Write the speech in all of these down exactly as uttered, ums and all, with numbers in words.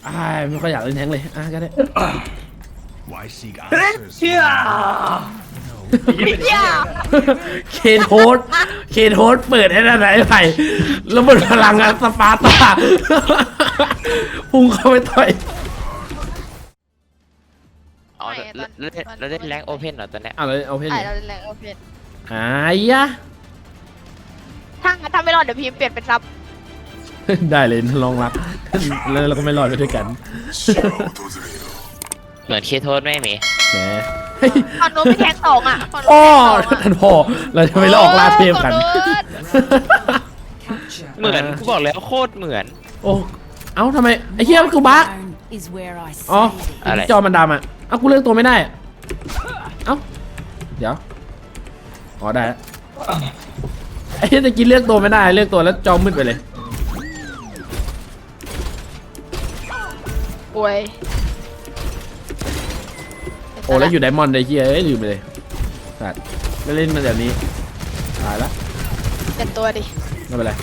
อ่าไม่ค่อยอยากเล่นแทงเลยอ่ะก็ได้เชี่ยเคนโฮสเคนโฮสเปิดให้ได้ไหนไปแล้วหมดพลังงานสปาร์ตาพุ่งเข้าไปต่อยอ๋อแล้วเราได้แรงโอเพนเหรอตอนเนี้ยอ่ะเลยเอาเพนใช่เราเล่นแรงโอเพนหายยะถ้าถ้าไม่รอดเดี๋ยวพิมพ์เปลี่ยนเป็นซับได้เลยลองรักแล้วเราก็ไม่รอดไปด้วยกันเหมือนเคโทสไหมหมีแหมฝั่งโน้นไม่แทงสองอ่ะฝั่งโน้อ้อนแทงสองท่านพ่อเราจะไปลอกล่าเทพกันเหมือนกูบอกแล้วโคตรเหมือนโอ้เอ้าทำไมไอ้เหี้ยมันคือบั๊กอ๋ออะไรจอมันดำอ่ะเอ้ากูเลือกตัวไม่ได้เอ้าเดี๋ยวอ๋อได้แล้วไอ้เหี้ยตะกี้เลือกตัวไม่ได้เลือกตัวแล้วจอมืดไปเลยโอ้ยโอ้แล้วอยู่ไดมอนด์ไอ้เหี้ยเอ้ยลืมไปเลยสัตว์ไม่เล่นมาแบบนี้ตายละเป็นตัวดิไม่เป็นไร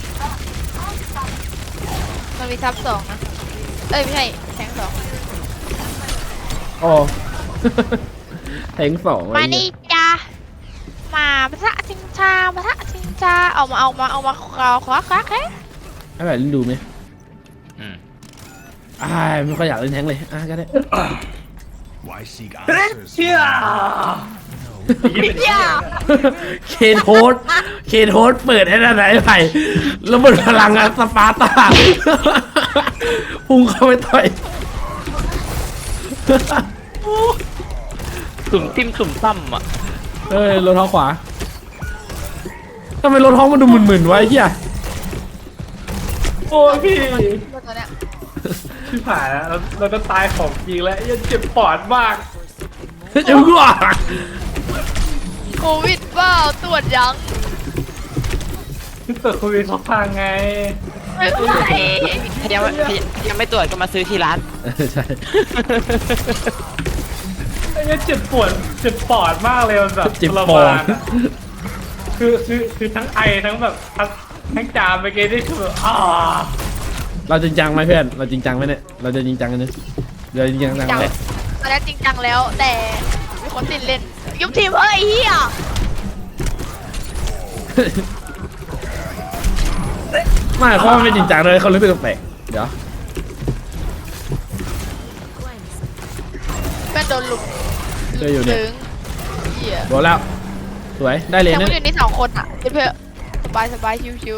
มันมีซับสองนะเอ้ยไม่ใช่แทงสองโอ้ แทงสองมาไอ้เหี้นี่ยจ้ามาพระชิงชาพระชิงชาเอามาเอามาเอามาคว้าคว้าคว้าแค่ให้แบบเล่นดูไหมอืมอ่าไม่ค่อยอยากเล่นแทงเลยอ่ะก็ได้เชี่ยเคนโฮสเคนโฮสเปิดให้ได้ไหนไปแล้วหมดพลังงานสปาร์ตาพุ่งเข้าไปต่อยตุ่มติ้มตุ่มตั้มอ่ะเอ้ยรถท้องขวาทำไมรถท้องมันดูหมื่นๆไวะไอ้เหี้ยโอ้ยพี่ตัวเนี้ยที่ผ่านแล้วเราจะตายของจริงแล้วยังเจ็บปอดมากเจ้ากูอ่ะโควิดเปล่าตรวจยังที่เปิดโควิดเขาพังไงไม่ไหวถ้ายังไม่ถ้ายังไม่ตรวจก็มาซื้อที่ร้านใช่ไอ้เนี่ยเจ็บปวดเจ็บปอดมากเลยมันแบบเจ็บทรปอมาดนอะคือคือคือทั้งไอทั้งแบบทั้งทั้งจามไปเกนี่คือแบบอ่าเราจริงจังไหมเพื่อนเราจริงจังไหมเนี่ยเราจะจริงจังกันเนี่ยเราจริงจังจังไหมตอนแรกจริงจังแล้ว แต่มีคนติดเล่นยุบทีมเฮ้ยเฮียไม่เขาไม่จริงจังเลยเขาเลยไม่แปลกเดี๋ยวเป็นโดนลุมเจออยู่เนี่ยถึงเฮียโดนแล้วสวยได้เลยแต่นะผู้อยู่นี่สองคนอ่ะเพื่อนสบายสบายชิว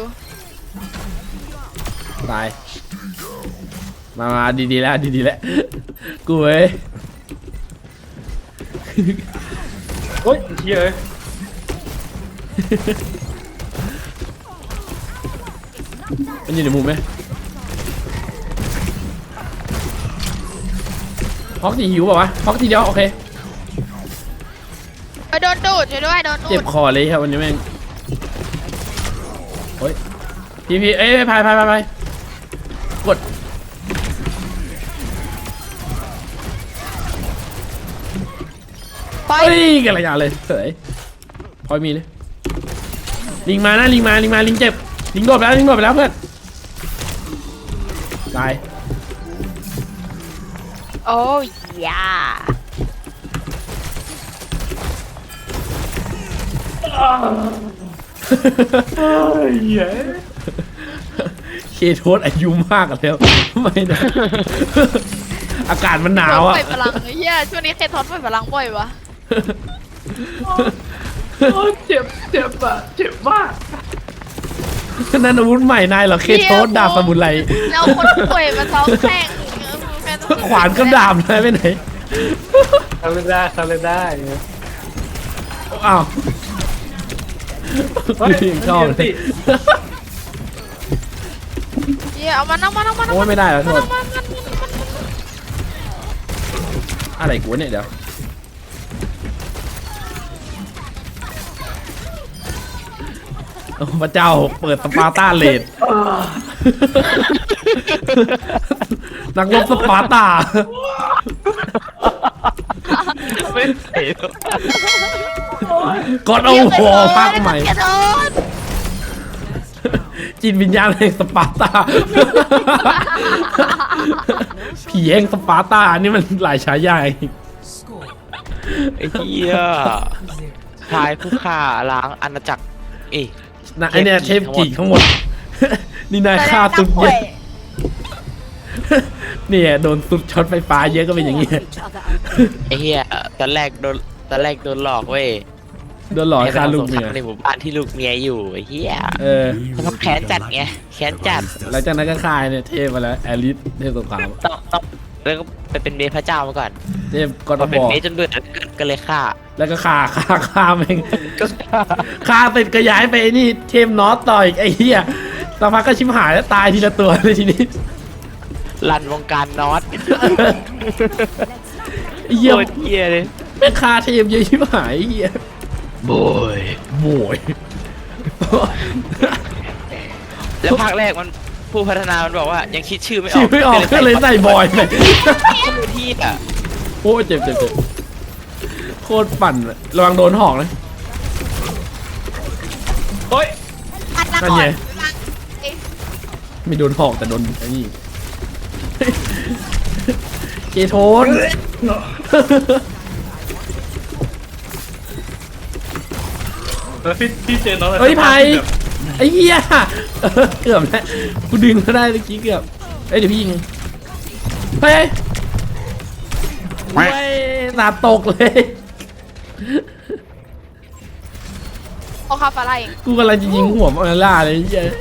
ตายมามาดีๆแล้วดีๆแล้วกูเว้ยโอ๊ยเหี้ยเอ้ยมันอยู่ในมุมไหมฮอกทีหิวเปล่าวะฮอกทีเดียวโอเคๆไปโดนดูดช่วยด้วยโดนดูเจ็บดคอเลยครับวันนี้แม่งโอ้ยพี่พี่เอ้ยพายพายพายพายกดไปเฮ้ยกันระยะเลยเสยพอยมีเลยลิงมานะลิงมาลิงมาลิงเจ็บลิงโดดไปแล้วลิงโดดไปแล้วเพื่อนตายโอ้ยยาเอ้ยเหี้ยเคโทสอายุมากแล้วไม่นะอากาศมันหนาวปอ่ะล่อยพลังไอ้เฮียช่วงนี้เคทอนปล่อยพลังบ่อยวะโอ้ยเจ็บเจ็บอะเจ็บมากนั่นอาวุธใหม่นายเหรอเคโทสดาบสมุนไพรแล้วคนป่วยมาซ้อมแข่งแม่ต้องขวานกับดาบเลยไปไหนทำไม่ได้ทำไม่ได้อ้าวเฮ้ยยังชอบเลยเฮียเอามันเอามันเอามันโอ้ยไม่ได้แล้วโทษเอามันเอามันเอามันอะไรกูเนี่ยเดี๋ยวโอ้พระเจ้าเปิดสปาร์ตาเลดนักรบสปาร์ตาไม่เสียกอดเอาหัวภาคใหม่เคทอนจิตวิญญาณแห่งสปาร์ตาผีแห่งสปาร์ตานี่มันหลายฉายาอีกไอ้เหี้ยชายผู้ฆ่าล้างอาณาจักรเอ้ยนะไอเนี่ยเทพกี่ทั้งหมด นี่นายฆ่าจะสุดได้เยอะเนี่ยโดนสุดช็อตไฟฟ้าเยอะก็เป็นอย่างงี้ไอ้เหี้ยตอนแรกโดนตอนแรกโดนหลอกเว้ยโดนหลอกให้ฆ่าลูกให้เมีไปยทำสงครามในหมู่บ้านที่ลูกเมียอยู่ไอ้เหี้ยเออแล้วก็แค้นจัดไงแค้นจัดหลังจากนั้นก็ฆ่าเนี่ยเทพมาแล้วแอลิสเทพสงครามต้องต้องแล้วก็ไปเป็นเมพระเจ้ามาก่อนเทพก็พต้อองเป็นบอกเมจนเบื่อก็เลยฆ่าแล้วก็ฆ่าฆ่าฆ่าแม่งก็ฆ่าฆ่าเสร็จก็ย้ายไปไอ้นี่เทมนอตต่ออีกไอ้เหี้ยสักพักก็ชิมหายแล้วตายทีละตัวเลยทีนี้ลันวงการนอตไอ้เหี้ยโคตรเหี้ยเลยเป็นฆ่าเทมเยอะชิมหายไอ้เหี้ยโบยโวยแล้วภาคแรกมันผู้พัฒนามันบอกว่ายังคิดชื่อไม่ออกชื่อไม่ออกก็เลยใส่บอยไปที่อ่ะโอ้ยเจ็บเจ็บเจ็บโคตรปั่นเลยระวังโดนหอกนะโอ้ยอัดละนั่นก่อไงนเอ๊ะไม่โดนหอกแต่โดนไอ้นี่ เกโทนแล้วพี่พี่เจนน้องเฮ้ยไผ่ไอ้เหี้ยเออเกือบแล้วกูดึงก็ได้เมื่อกี้เกือบเอ้ยเดี๋ยวพี่ยิงเฮ้ยเฮ้ยหนาตกเลยเอาคาฟาไลเองกูกำลังจะยิงหัวมาล่าเลยไอ้เหี้ย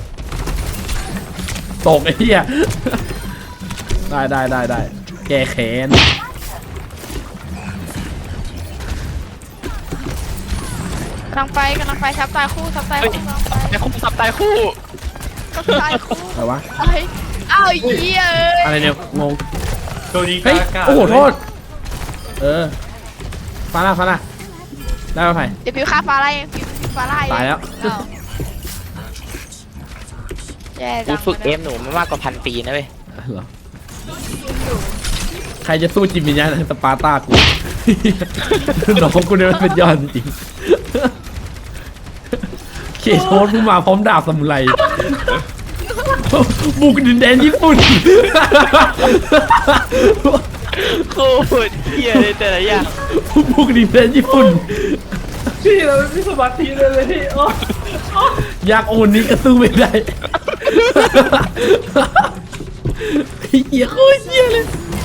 ตกไอ้เหี้ยได้ได้ได้ได้แก้แค้นกำลังไปกำลังไปทับตายคู่ทับตายเฮ้ยคู่กำลังไปไอ้คู่สับตายคู่ทับตายคู่อะไรวะเอ้ยอ้าวไอ้เหี้ยเอ้ยอะไรเนี่ยงงโดนยิงเฮ้ยกากาโอ้โหโทษเออฟาร่าฟาร่าได้ป่ะไผ่เดี๋ยวพิวคาฟาไลเองพิวพิวฟาไลเองตายแล้วอ้าวแย่กูจังฝึกเอลยฟหนูมามากกว่าพันปีนะเว้ยเหรอใครจะสู้จิมมิญญาสปาร์ตากู น้องกูเนี่ยมันเป็นยอดจริงๆเคโทสผู้มาพร้อมดาบสมุไรบุกดินแดนญี่ปุ่นโคตรเหี้ยเลยแต่ละอย่างบุกดินแดนญี่ปุ่นพี่เราไม่มีสมาธิเลยเลยพี่โอ้ยากโอนนี้ก็สู้ไม่ได้ ไอ้เหี้ยโคตรเหี้ยเลย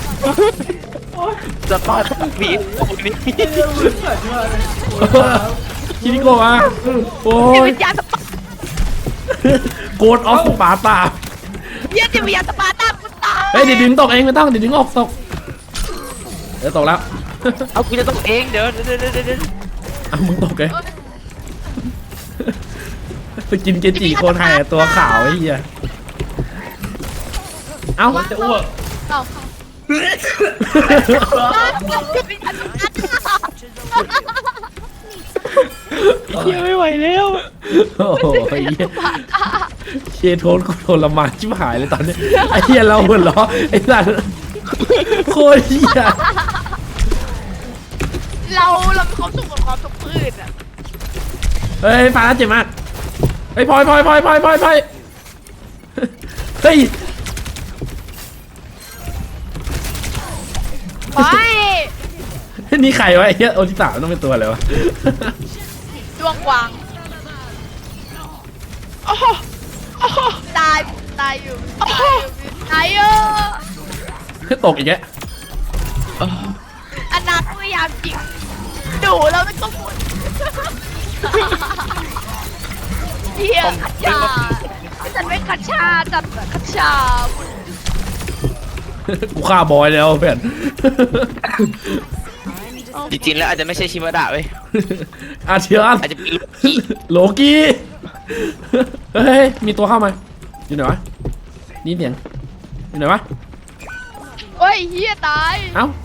สปาร์ตบีโอ้นี่เรื่องมือสั่นมากเลยคิริโกะมาโอ้จิตยวิญญาณสปาโกดออฟสปาร์ตาเหี้ยจิตวิญญาณสปาร์ตากูตายเฮ้ยเดี๋ยวดึงตกเองไม่ต้องเดี๋ยวดึงออกตกเดี๋ยวตกแล้วเอากูจะต้องเองเดี๋ยวเดี๋ยวเดี๋ยวเดี๋ยวเอามึงตกเลยไปกินเกจิโคนไทยอะตัวขาวไอ้เหี้ยเอ้ามันจะอ้วกเอ้าจิตวิญญาณสปาร์ตาเหี้ยไม่ไหวแล้วโอ้โหไอ้เหี้ยเคโทนกูทรมานชิบหายเลยตอนนี้ไอ้เหี้ยเราหัวเราะไอ้สัสโคตรเหี้ยเราเรามีความสุขกับความทุกข์พืชอ่ะเฮ้ยฟ้าเจ็บมากเฮ้ยพลอยพลอยพลอยพลอยพลอยพลอยเฮ้ยไปนี่ใครวะไอ้เหี้ยโอทิสาต้องเป็นตัวอะไรวะดวงกวางโอ้โหโอ้โหตายตายอยู่ตายอยู่ตายอยู่ตกอีกแล้วอันนั้นพยายามยิงดูแล้วมันก็หมุนเหี้ยขัดชาฉันไม่ขัดชาจัดขัดชากูฆ่าบอยแล้วเพื่อนจริงๆแล้วอาจจะไม่ใช่ชิมาดะเว้ยอาเชียนอาจจะเป็นลูกพี่โลกี้เฮ้ยมีตัวเข้ามาอยู่ไหนวะนี่เสียงอยู่ไหนวะโอ้ยเหี้ยตายเอ้า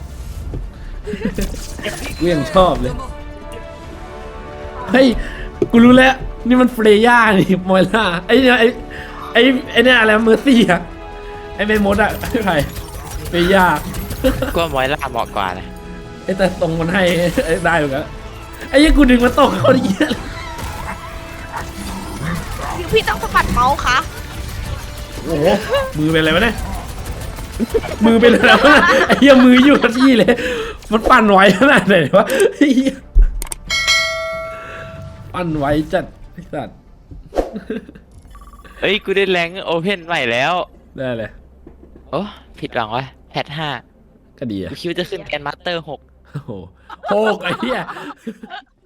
กูยังชอบเลยเฮ้ยกูรู้แล้วนี่มันเฟรย่านี่มอยล่าไอ้เนี่ยไอ้ไอ้ไอ้เนี่ยอะไรเมอร์ซี่อะไอ้เมมดอะไอ้ไผ่เฟรย่าก็มอยล่าเหมาะกว่านะไอ้แต่ตรงมันให้ได้เหมือนกันไอ้ยี่กูดึงมาตกเขาดิเหี้ยพี่พี่ต้องสะบัดเมาส์คะโอ้โหมือเป็นอะไรวะเนี่ยมือเป็นอะไรวะไอ้เหี้ยมืออยู่กับที่เลย มันปั่นไหวขนาดไหนวะไอ้เหี้ยปั่นไหวจัดไอ้สัตว์เอ้ยกูได้แรงโอเพนใหม่แล้วได้เลยโอ้ผิดหวังวะแพทห้าก็ดีอะกูคิดว่าจะขึ้นแกนมาสเตอร์หกโอ้โหโหกไอ้เหี้ย